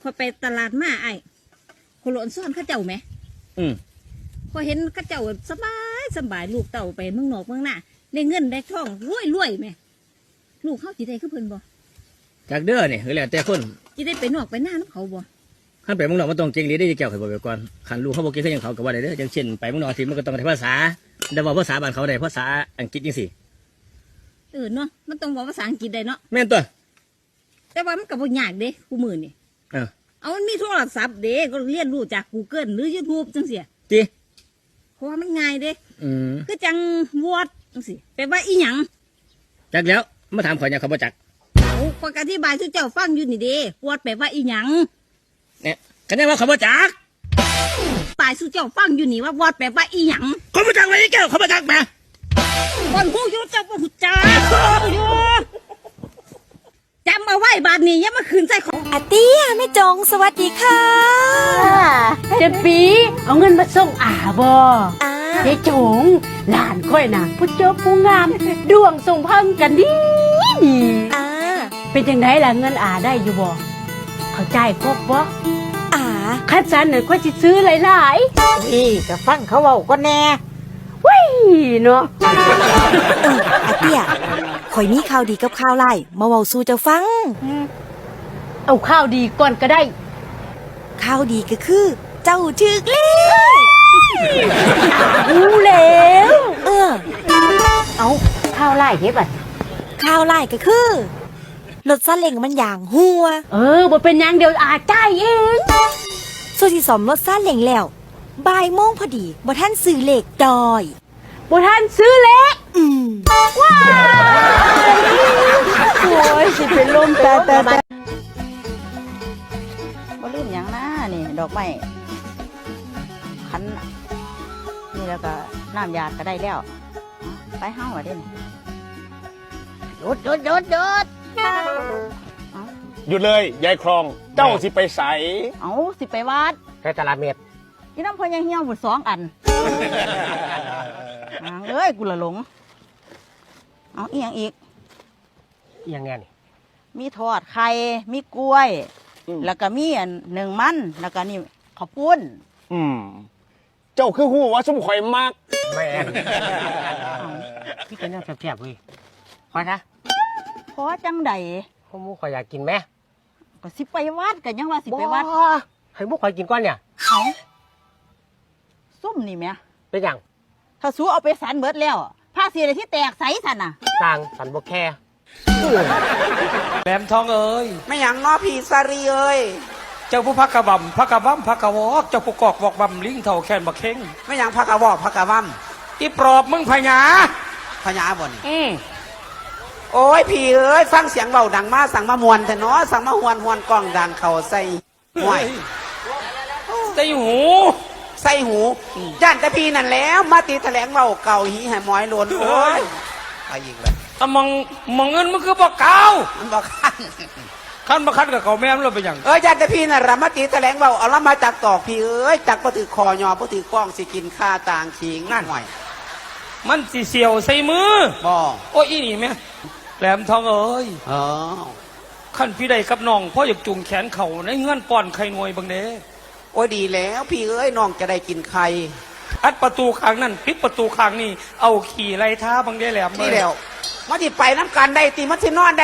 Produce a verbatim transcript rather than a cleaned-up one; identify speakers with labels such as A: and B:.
A: อยไปตลาดมาไอ้คนหลอนซ่อนข้าเจ้าไหม
B: อืม
A: พอเห็นข้าเจ้าสบายสบายลูกเต่าไปเมืองนอกเมืองหน้าได้เงินได้ทองรวยรวยไหมลูกเขาจีได้คือเพิ่นบ่
B: จากเด้อเนี่ยคือแล้วแต่คน
A: จีได้ไปนอกไปหน้าน้ำเขาบ่
B: ขั้นไปเมืองนอกมันต้องเก่งหรือได้จะเกี่ยวกับบ่ไปก่อนขันลูกเขาบอกเก่งเขาอย่างเขากับว่าได้เด้ออย่างเช่นไปเมืองนอกที่มันก็ต้องใช้ภาษาแต่ว่าภาษาบ้านเขาได้ภาษาอังกฤษจังซี่
A: เออเนาะมันต้องบอกภาษาอังกฤษได้เนาะ
B: แม่นตัว
A: แต่ว่ามันก็บ่ยากเด้กูมือนี่
B: เออ
A: เอามันมีโทรศัพท์เด้ก็เรียนรู้จาก Google หรือ YouTube จังซี่
B: จิ
A: เพราะว่ามันง่ายเด้
B: อืม
A: คือจังวอดจังซี่แปลว่าอีหยัง
B: จักแล้วมาถามข่อยเนี่ยเขาบ่จัก
A: โอ้ข้อยก็อธิบายให้เจ้าฟังอยู่นี่เด้วอดแปลว่าอีหยัง
B: เนี่ยก็ได้ว่าเขาบ่จัก
A: ตายสู่เจ้าฟังอยู่นี่ว่าวอดแปลว่าอีหยัง
B: เขาบ่จักไว้แก้วเขาบ่จักแม่
A: คนฮู้อยู่เจ้าบ่ฮู้จักอยู่จำเอาไว้บาดนี้อย่ามาคืนใส่ของ
C: อาเตี้ยแม่จงสวัสดีค่ะ
D: เจ็ดปีเอาเงินมาส่งอาบ่
C: อ่า
D: เจ๊จงหลานค่อยน่ะผู้เจ้าผู้งามดวงส่งพังกันดีดี
C: อ่า
D: เป็นจังไดล่ะเงินอาได้อยู่บ่เข้าใจครบบ่
C: อ่า
D: คัดสันน่ะค่อยสิซื้อหลายๆนี่ก็ฟังเขาเว้าก็แน่ว้ยเนาะ
C: เอออาเตี้ยข่อยมีข่าวดีกับข่าวไล่มาเว้าสู่เจ้าฟัง
D: เอาข้าวดีก่อนก็ได้
C: ข่าวดีก็คือเจ้าถึกแล้ว
D: รู้แล้ว
C: เออ
D: เอาข้าวไล่เฮ็ดบัด
C: ข่าวไล่ก็คือรถซาเล้งมันอย่างหัว
D: เออบ่เป็นหยังเดี๋ยวอาจ่ายเอง
C: ส่วนที่สอมรถซาเล้งแล้วบ่ายโมงพอดีบ่ทันซื้อเลขดอย
D: บ่ทันซื้อเล็ก
C: อืม
D: ว้าวโอ้ยสิเป็นลมแต่แต่แต่
E: บ่ลืมหยังนะนี่ดอกไม้ขันนี่แล้วก็น้ำยาก็ได้แล้วไปห้างว่าเด่นหยุดหยุดหยุดหยุด
F: หยุดเลยยายครองเจ้าสิไปใส
E: เอาสิไปวัด
B: ไปตลาดเม็ด
E: ที่น้ำพญาเหี่ยวหมดสองอันเอ้ยกูละหลงเอาอีกอย่างอีก
B: อีกอย่างไงนี่
E: มีทอดไข่มีกล้วยแล้วก็มีอันหนึ่งมันแล้วก็นี่ข้าวปุ้น
F: อืมเจ้าคือหูว่าสมข่อยมาก
B: แม่พี่เป็นน่าแซ่บๆเว้ยพอนะ
E: พอจังใด
B: พวกมูข่อยอยากกินไหม
E: ก็สิไปวัดกันยังว่าสิไปวัด
B: ให้มูข่อยกินก้อนเนี่ย
E: เอาส้มนี่แม่
B: เป็นอย่าง
E: ถ้าสู้เอาไปสันเบิดแล้วผ้าสีอะไรที่แตกใสสันน่ะ
B: ต่างสันบกแค่
G: แหลมทองเอ้ย
H: ไม่อย่างง้อผีสารีเอ้ย
G: เจ้าผู้พักกระบำพักกระบำพักกระวอกเจ้าผู้กอกบอกบำลิงเท่าแขนบักเข่ง
H: ไม่อย่างพักกระวอกพักกระวัม
G: อีปลอบมึงพญา
H: พญาบ่น
G: อืม
H: โอ้ยผีเอ้ยฟังเสียงเบาดังมาสั่งมามวนแต่เนาะสั่งมาหวนหวนกล้องดังเข่าใส่ห่วย
G: ใส่หู
H: ใส่หูย่านแต่พีนั่นแล้วมาตีแถลงเบาเก่าหีแห่หมอยหล่นโอ้ยไปอีกเลย
G: อะมองมองเงินมันคือบอกเก่า
H: มันบอกขั้น
G: ขั้นมาขั้นกับเขาแม่เราเป็นอย่าง
H: เอ้ยย่านแต่พีนั่นละมาตีแถลงเบาเอาละมาจากตอกพีเอ้ยจากปะถือคอยอปะถือกล้องสิกินข้าต่างขิงนั่นหน่อย
G: มันสีเสียวใส่มือ
H: บอก
G: โอ้ยอีนี่แม่แหลมทองเอ้ย
H: เออ
G: ขั้นพี่ใดกับน้องพ่ออยากจุงแขนเข่าในเงื่อนป้อนไข่หน่วยบางเด้
H: โอ้ยดีแล้วพี่เอ้ยน้องจะได้กินไข่
G: อัดประตูข้างนั่นปิดประตูข้างนี่เอาขี่ไล่ท้าบางเด้แหลม
H: นี่แล้วมาที่ไปน้ำกันได้ตีมัดที่นอนได้